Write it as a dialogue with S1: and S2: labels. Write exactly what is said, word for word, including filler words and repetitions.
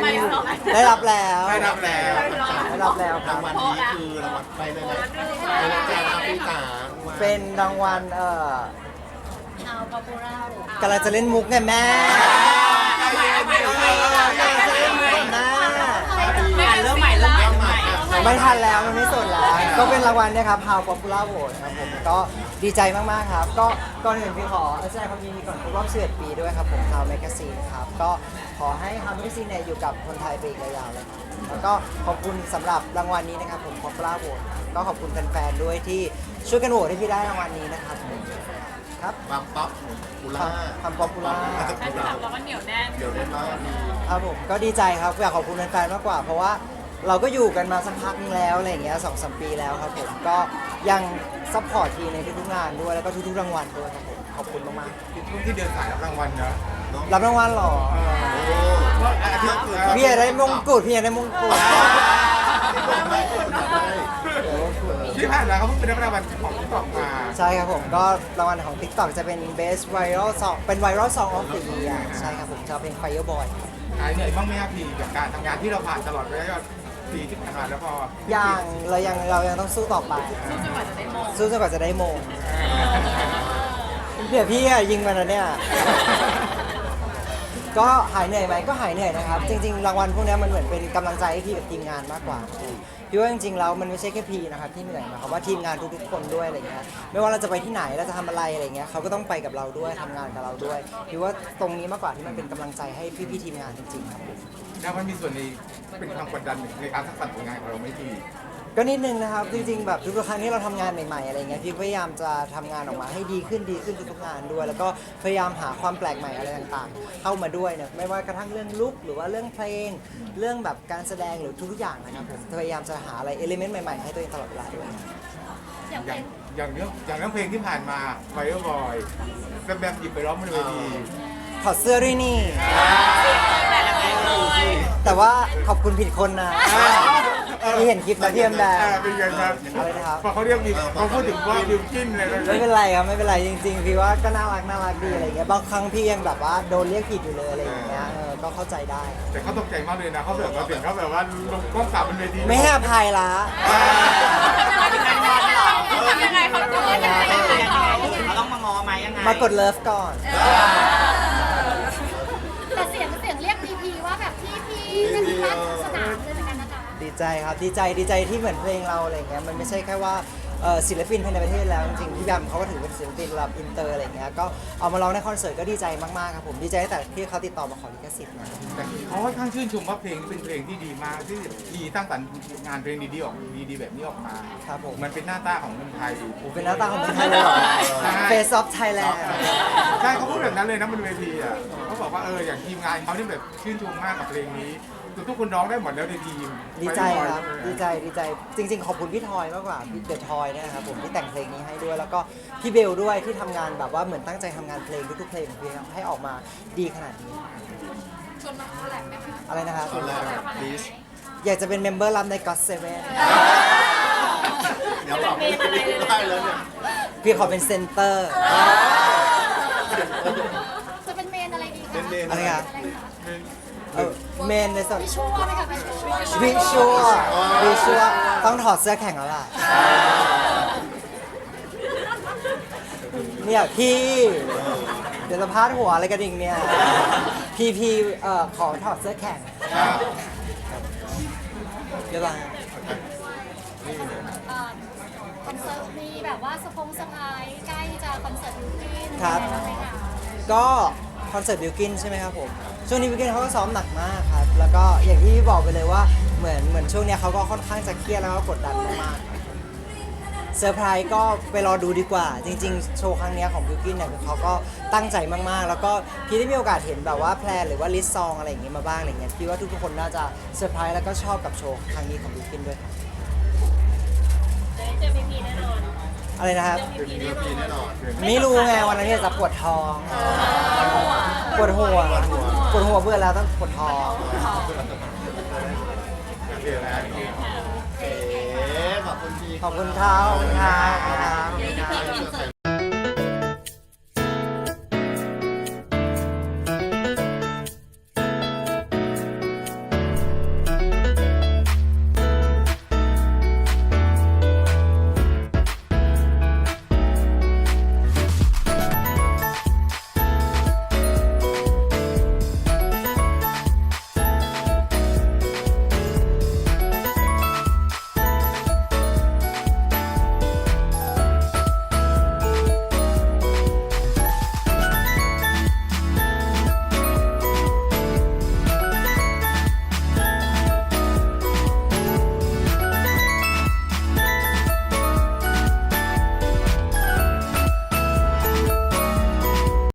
S1: ได้รับแล้ว
S2: ได้รับแล้ว
S1: ได้รับแล้วครั
S3: รา
S1: บ
S3: งวัลนี้คือรางวัลไปเลยนะไปเลยจ้าพี่จ๋า
S1: เป็นรางวัลเอ่อ
S4: เอาปอปูล่าก
S1: ำลังจะเล่นมุกไงแม่กำลังจะเล่นมุกแม่
S4: เริ่มใหม่เริ่มใหม่เริ่มใหม่
S1: ไม่ทันแล้วมันไม่สดแล้ว ก็เป็นรางวัลเนะครับ How Popular Vote ครับผมก็ดีใจมากๆครับ ก็ก่อนอื่นพี่ขอแสดงความยินดีก่อนครบรอบสิบเอ็ดปีด้วยครับผม How Magazine ครับก็ขอให้ How Magazine เนี่ยอยู่กับคนไทยไปอีกยาวๆเลยครับแล้วก็ขอบคุณสำหรับรางวัลนี้นะครับผม Popular Vote ก็ขอบคุณแฟนๆด้วยที่ช่วยกันโหวตให้พี่ได้รางวัลนี้นะครับผมครับ
S3: ความป๊อปปูล่า
S1: ความ Popular
S4: แฟนคลับเราก็เหนียวแน่น
S3: เดี๋ยวได้มากดี
S1: ครับผมก็ดีใจครับอยากขอบคุณแฟนๆมากกว่า เพราะว่าเราก็อยู่กันมาสักพักนึงแล้วอะไรอย่างเงี้ยสองสามปีแล้วครับผมก็ยังซัพพอร์ตทีในทุกๆงานด้วยแล้วก็ทุกๆรางวัลด้วยครับผมขอบคุณมาก
S2: ช่วงที่เดินสายรับรางวัลเนอะ
S1: ๆรับรางวัลเหรอ
S3: โอ้อาทิตย์อื่น
S1: พี่อยากได้มงกุฎพี่อยากได้มงกุฎ
S3: ไม่คนอยากได้
S2: ที่ผ่านมาเขาเพิ่งไปรับรางวัลของที่ตอบมา
S1: ใช่ครับผมก็รางวัลของ TikTok จะเป็น Best Viral Song เป็น Viral Song of the Year ใช่ครับผมจะเป็น Fireboy
S2: หายเหนื่อยบ้างไหมครับพี่กับการทำงานที่เราผ่านตลอดระยะปีที่ผ่านมาแล้วพอ
S1: ยังเรายังเรายังต้องสู้ต่อไป
S4: สู้จนกว่าจะได้มง
S1: สู้จนกว่าจะได้มงเดี๋ยวพี่อะยิงมันแล้วเนี่ย ก็หายเหนื่อยไหมก็หายเหนื่อยนะครับ จริงๆรางวัลพวกนี้มันเหมือนเป็นกำลังใจให้พี่กับทีมงานมากกว่าพี่ว่าจริงๆแล้วมันไม่ใช่แค่พี่นะครับที่เหนื่อยนะครับว่าทีมงานทุกๆคนด้วยอะไรเงี้ยไม่ว่าเราจะไปที่ไหนเราจะทำอะไรอะไรเงี้ยเขาก็ต้องไปกับเราด้วยทำงานกับเราด้วยพี่ว่าตรงนี้มากกว่าที่มันเป็นกำลังใจให้พี่ๆทีมงานจริงๆครับผม
S2: แล้วมันมีส่วนในเป็นความกดดันในการทักษะผลงานของเราไม่ดี
S1: ก็นิดนึงนะครับจริงๆแบบทุกๆครั้งที่เราทำงานใหม่ๆอะไรเงี้ยพี่พยายามจะทำงานออกมาให้ดีขึ้นดีขึ้นทุกๆงานด้วย แล้วก็พยายามหาความแปลกใหม่อะไรต่างๆ เข้ามาด้วยเนี่ยไม่ว่ากระทั่งเรื่องลุคหรือว่าเรื่องเพลง เรื่องแบบการแสดงหรือทุกๆอย่างนะครับผมพยายามจะหาอะไรเอลิเมนต์ใหม่ๆให้ตัวเองตลอดเวลาด้วย
S4: อย่าง
S2: อ
S4: เป็
S2: ย่าง
S4: น
S2: อย่างเรื่องอย่างเรื่องเพลงที่ผ่านมาไฟเออร์บอยแบบแบบหยิบไปร้องบนเวที
S1: ถอดเสื้อด้วยนี่
S4: แต่ละเพลงเลย
S1: แต่ว่าขอบคุณผิดคนนะที่เห็นคลิปนะพี่แอมแดง
S2: เออเป็นไงครับ
S1: อะไรนะครับ
S2: พอเขาเรียกมีเขาพูดถึงว่าบิวกินอะไรแบบ
S1: ไม่
S2: นี้
S1: เป็นไรครับไม่เป็นไรจริงๆพี่ว่าก็น่ารักน่ารักดีอะไรเงี้ยบางครั้งพี่ยังแบบว่าโดนเรียกผิดอยู่เลยอะไรอย่างเงี้ยเออก็เข้าใจได้
S2: แต่เขาตกใจมากเลยนะเขาแบบว่าเสียงเขาแบบว่าลงกล้องกลับบนเวที
S1: ไม่ให้อภัยละ
S4: ยังไงเขาจะยังไงยังไงเขา
S5: เราต้องมางอไหมยังไง
S1: มากดเลิฟก่อน
S4: แต่เสียงเสียงเรียกพีพีว่าแบบพี่พีเป็นพัดสนามเลยเหมือนกันนะคะ
S1: ดีใจครับดีใจดีใจที่เหมือนเพลงเราอะไรเงี้ยมันไม่ใช่แค่ว่าเอ่อศิลปินภายในประเทศแล้วจริงๆพี่แบมเขาก็ถือเป็นศิลปินระดับอินเตอร์อะไรเงี้ยก็เอามาร้องในคอนเสิร์ตก็ดีใจมากๆครับผมดีใจตั้งแต่ที่เขาติดต่อมาขอลิขสิทธิ์นะ
S2: แต่เขาค่อนข้างชื่นชมว่าเพลงนี้เป็นเพลงที่ดีมากที่ดีตั้งสรรค์งานเพลงดีๆออกดีๆแบบนี้ออกมา
S1: ครับผม
S2: มันเป็นหน้าตาของคนไทย
S1: เป็นหน้าตาของคนไทยเลยเหรอ
S2: ใช่
S1: Face of Thailand
S2: ใช่เขาพูดแบบนั้นเลยนะบนเวทีอ่ะเขาบอกว่าเอออย่างทีมงานเขาที่แบบชื่นชมมากกับเพลงนี้ทุกคนร้องได้หมดแล้วในทีม
S1: ดีใจครับดีใจดีใจจริงๆ ขอบคุณพี่ทอยมากกว่าพี่เดอะทอยเนี่ยนะครับผมที่แต่งเพลงนี้ให้ด้วย แล้วก็พี่เบลด้วยที่ทำงานแบบว่าเหมือนตั้งใจทำงานเพลงทุกๆเพลงของพี่ครับให้ออกมาดีขนาดนี้
S4: ชวนมาคอลแลบไหมคะ
S1: อะไรนะครับ
S3: ตอนแรกลิส
S1: อยากจะเป็นเมมเบอร์รับใน God Seven
S3: เดี๋ยวบอกไม่ได้แล้วเนี่ย
S1: พี่ขอเป็นเซนเตอร์
S4: จะเป็นเมนอะไรดีคะ
S3: เป็นเมน
S1: อะไรครับ เออเมนในส่วน
S4: วิชวลไหมคะวิชวล
S1: วิชวลวิชวลต้องถอดเสื้อแข่งแล้วล่ะเนี่ยพี่เดี๋ยวจะพาดหัวอะไรกันอีกเนี่ยพี่พี่เอ่อขอถอดเสื้อแข่งเดี๋ยวก่อน
S4: เอ่อคอนเสิร์ตมีแบบว่าสปงสไพรส์ใกล้จะคอนเสิร์ตบิวกิ้น
S1: ครับ
S4: ไหมคะ
S1: ก็คอนเสิร์ตบิวกินใช่ไหมครับผมช่วงนี้บิวกินเขาก็ซ้อมหนักมากครับแล้วก็อย่างที่บอกไปเลยว่าเหมือนเหมือนช่วงเนี้ยเขาก็ค่อนข้างจะเครียดแล้วก็กดดันมากๆเซอร์ไพรส์ก็ไปรอดูดีกว่า จริงๆ โชว์ครั้งเนี้ยของบิวกินเนี่ยเขาก็ตั้งใจมากๆ แล้วก็พี่ได้มีโอกาสเห็นแบบว่าแพลนหรือว่าลิสต์ซองอะไรอย่างงี้มาบ้างอะไรเงี้ยพี่ว่าทุกๆคนน่าจะเซอร์ไพรส์แล้วก็ชอบกับโชว์ครั้งนี้ของบิวกินด้วยครับ
S4: เจอพีพีแน่นอน
S1: อะไรนะครับ
S3: เป็นเรื่องปีแน่นอน
S1: ไม่รู้ไงวันนั้นเนี่ยจะปวดท้องปวดหัวปวดหัวเบื่อแล้วต้องปวดท้อง
S3: โอเคนะโอเคขอบคุณพี่
S1: ขอบคุณครับขอบคุณครับ